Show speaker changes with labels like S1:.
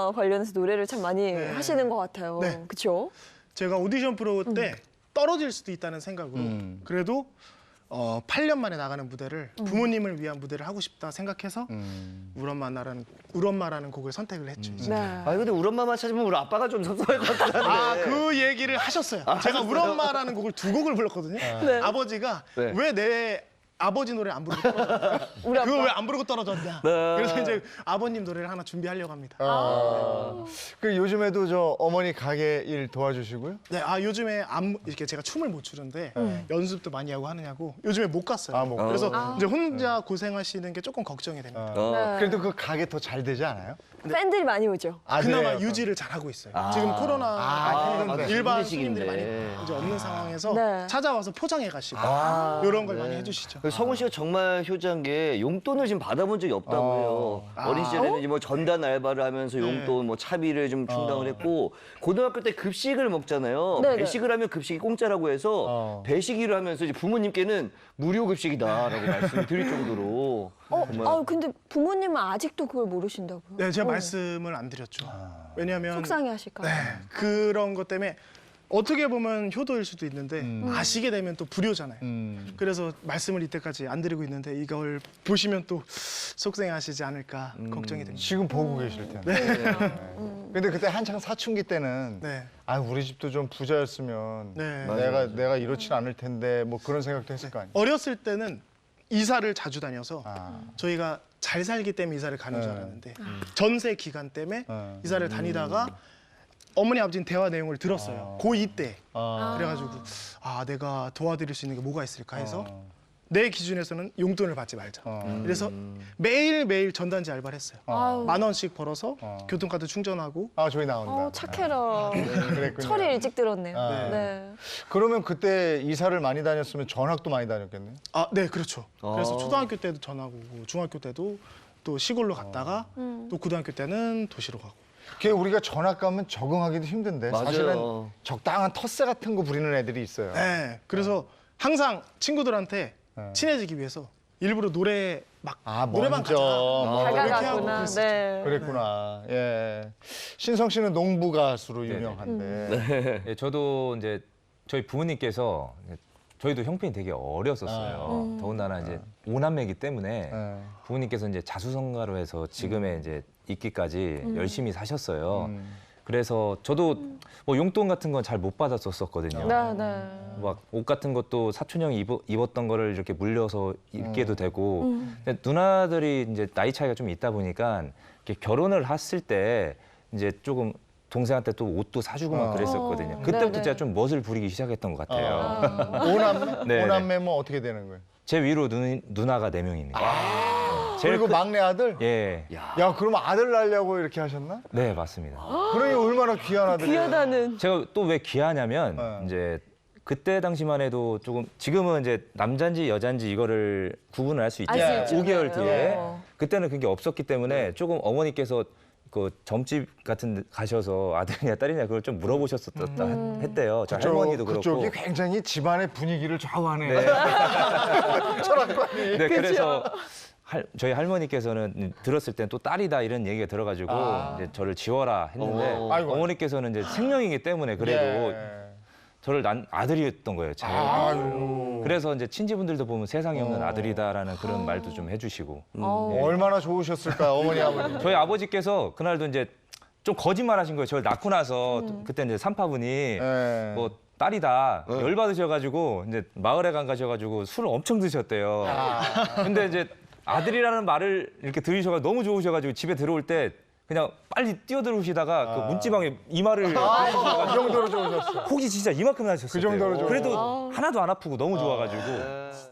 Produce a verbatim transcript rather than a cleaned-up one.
S1: 드라마 관련해서 노래를 참 많이
S2: 네.
S1: 하시는 것 같아요.
S2: 네.
S1: 그렇죠?
S2: 제가 오디션 프로 때 떨어질 수도 있다는 생각으로
S3: 음.
S2: 그래도 어, 팔 년 만에 나가는 무대를
S1: 음.
S2: 부모님을 위한 무대를 하고 싶다 생각해서
S3: 음.
S2: 울엄마라는 울엄마라는 곡을 선택을 했죠. 이제.
S1: 네.
S4: 아 근데 우리 엄마만 찾으면 우리 아빠가 좀 섭섭할 것 같은데.
S2: 아, 그 얘기를 하셨어요. 제가 울엄마라는 곡을 두 곡을 불렀거든요.
S1: 네.
S2: 아버지가
S4: 네.
S2: 왜 내 아버지 노래 안 부르고 떨어졌냐?
S1: 우리 아빠.
S2: 그거 왜 안 부르고 떨어졌냐?
S4: 네.
S2: 그래서 이제 아버님 노래를 하나 준비하려고 합니다.
S3: 아. 그 요즘에도 저 어머니 가게 일 도와주시고요?
S2: 네, 아 요즘에 안, 이렇게 제가 춤을 못 추는데 연습도 많이 하고 하느냐고 요즘에 못 갔어요.
S3: 아, 못
S2: 그래서
S1: 아.
S2: 이제 혼자 고생하시는 게 조금 걱정이 됩니다.
S3: 어.
S1: 네.
S3: 그래도 그 가게 더 잘 되지 않아요?
S1: 팬들이 많이 오죠.
S3: 아,
S2: 그나마
S3: 그래요?
S2: 유지를 잘 하고 있어요.
S4: 아.
S2: 지금 코로나
S3: 아,
S2: 때문에
S3: 힘든데.
S2: 일반
S4: 힘든
S2: 손님들이 많이
S4: 시기인데.
S2: 이제 없는 상황에서
S1: 네.
S2: 찾아와서 포장해 가시고
S4: 아,
S2: 이런 걸
S4: 네.
S2: 많이 해주시죠.
S4: 그 성훈 씨가 정말 효자인 게 용돈을 지금 받아본 적이 없다고 해요.
S2: 아.
S4: 어린 시절에는 이제 뭐 전단 알바를 하면서
S2: 네.
S4: 용돈, 뭐 차비를 좀 충당을 했고 고등학교 때 급식을 먹잖아요.
S1: 네네.
S4: 배식을 하면 급식이 공짜라고 해서
S3: 어.
S4: 배식일을 하면서 이제 부모님께는 무료 급식이다라고 말씀을 드릴 정도로
S1: 어,
S4: 정말
S1: 아 근데 부모님은 아직도 그걸 모르신다고요?
S2: 네, 제가
S1: 어.
S2: 말씀을 안 드렸죠. 왜냐하면
S1: 속상해하실까 봐.
S2: 네, 그런 것 때문에 어떻게 보면 효도일 수도 있는데
S3: 음.
S2: 아시게 되면 또 불효잖아요.
S3: 음.
S2: 그래서 말씀을 이때까지 안 드리고 있는데 이걸 보시면 또 속상해하시지 않을까
S3: 음.
S2: 걱정이 됩니다.
S3: 지금 보고 계실 텐데. 네. 근데 그때 한창 사춘기 때는
S2: 네,
S3: 아 우리 집도 좀 부자였으면
S2: 네.
S3: 내가 내가 이렇진 않을 텐데 뭐 그런 생각도 했을 거 아니에요.
S2: 어렸을 때는 이사를 자주 다녀서
S3: 아.
S2: 저희가 잘 살기 때문에 이사를 가는 줄
S3: 네.
S2: 알았는데 전세 기간 때문에
S3: 네.
S2: 이사를 다니다가 어머니 아버지는 대화 내용을 들었어요.
S3: 아.
S2: 고이 때.
S3: 아.
S2: 그래가지고 아 내가 도와드릴 수 있는 게 뭐가 있을까 해서
S3: 어.
S2: 내 기준에서는 용돈을 받지 말자.
S3: 어.
S2: 그래서 매일 매일 전단지 알바를 했어요.
S1: 아유.
S2: 만 원씩 벌어서
S3: 어.
S2: 교통카드 충전하고.
S3: 아 저기 나온다.
S1: 어, 착해라.
S3: 그랬군요.
S1: 철이 일찍 들었네요.
S3: 아.
S1: 네.
S3: 그러면 그때 이사를 많이 다녔으면 전학도 많이 다녔겠네요.
S2: 아, 네, 그렇죠. 그래서
S4: 아.
S2: 초등학교 때도 전화고 중학교 때도 또 시골로 갔다가
S1: 음.
S2: 또 고등학교 때는 도시로 가고.
S3: 그게 우리가 전학 가면 적응하기도 힘든데
S4: 맞아요.
S3: 사실은 적당한 텃세 같은 거 부리는 애들이 있어요.
S2: 네, 그래서 항상 친구들한테
S3: 네.
S2: 친해지기 위해서 일부러 노래 막
S3: 아
S2: 노래방
S3: 먼저
S2: 가자.
S3: 뭐
S2: 이렇게 하고
S1: 다가가구나.
S2: 그랬었죠.
S1: 네.
S3: 그랬구나. 예. 신성 씨는 농부 가수로
S5: 네네.
S3: 유명한데.
S5: 예, 저도 이제 저희 부모님께서 저희도 형편이 되게 어렸었어요.
S1: 음.
S5: 더군다나 이제 오남매이기 때문에
S3: 예.
S5: 부모님께서 이제 자수성가로 해서 지금의 이제 있기까지
S1: 음.
S5: 열심히 사셨어요.
S3: 음.
S5: 그래서 저도 뭐 용돈 같은 건 잘 못 받았었거든요.
S1: 네, 네.
S5: 막 옷 같은 것도 사촌 형이 입어, 입었던 거를 이렇게 물려서 입게도
S3: 음.
S5: 되고
S1: 음.
S5: 근데 누나들이 이제 나이 차이가 좀 있다 보니까 이렇게 결혼을 했을 때 이제 조금 동생한테 또 옷도 사주고 막
S3: 어.
S5: 그랬었거든요.
S1: 어.
S5: 그때부터
S1: 네네.
S5: 제가 좀 멋을 부리기 시작했던 것 같아요.
S1: 아.
S3: 오남매?
S5: 네,
S3: 오남매면 어떻게 되는 거예요?
S5: 제 위로 누, 누나가 네 명입니다. 제일
S3: 그리고
S5: 큰-
S3: 막내 아들?
S5: 예,
S3: 야, 그럼 아들 낳으려고 이렇게 하셨나?
S5: 네 맞습니다.
S3: 그러니 얼마나 귀한 아들이에요.
S1: 귀하다는.
S5: 제가 또 왜 귀하냐면
S3: 네.
S5: 이제 그때 당시만 해도 조금 지금은 이제 남잔지 여잔지 이거를 구분을 할 수 있죠.
S1: 알 수 있죠.
S5: 오 개월
S1: 네.
S5: 뒤에
S1: 어.
S5: 그때는 그게 없었기 때문에 조금 어머니께서 그 점집 같은 데 가셔서 아들이냐 딸이냐 그걸 좀 물어보셨었다
S1: 음.
S5: 했대요. 저
S3: 그쪽,
S5: 할머니도 그렇고.
S3: 그쪽이 굉장히 집안의 분위기를 좌우하네. 철학관이.
S5: 네, 그래서 할, 저희 할머니께서는 들었을 땐 또 딸이다 이런 얘기가 들어가지고
S3: 아.
S5: 이제 저를 지워라 했는데
S4: 어.
S3: 아이고.
S5: 어머니께서는 이제 생명이기 때문에 그래도
S3: 예.
S5: 저를 난 아들이었던 거예요. 제가.
S3: 아유.
S5: 그래서 이제 친지분들도 보면 세상에 없는
S3: 어.
S5: 아들이다라는 그런 말도 좀 해주시고.
S1: 어.
S3: 얼마나 좋으셨을까, 어머니, 아버님.
S5: 저희 아버지께서 그날도 이제 좀 거짓말하신 거예요. 저를 낳고 나서 그때 이제 삼파분이
S3: 예.
S5: 뭐 딸이다 열 받으셔가지고 이제 마을에 간 가셔가지고 술을 엄청 드셨대요. 근데 이제 아들이라는 말을 이렇게 들으셔가 너무 좋으셔가지고 집에 들어올 때 그냥 빨리 뛰어들어오시다가 그 문지방에 이마를
S3: 그 정도로 좋으셨어.
S5: 혹이 진짜 이만큼 나셨어요.
S3: 그 정도로 좋아.
S5: 그래도
S1: 아.
S5: 하나도 안 아프고 너무 좋아가지고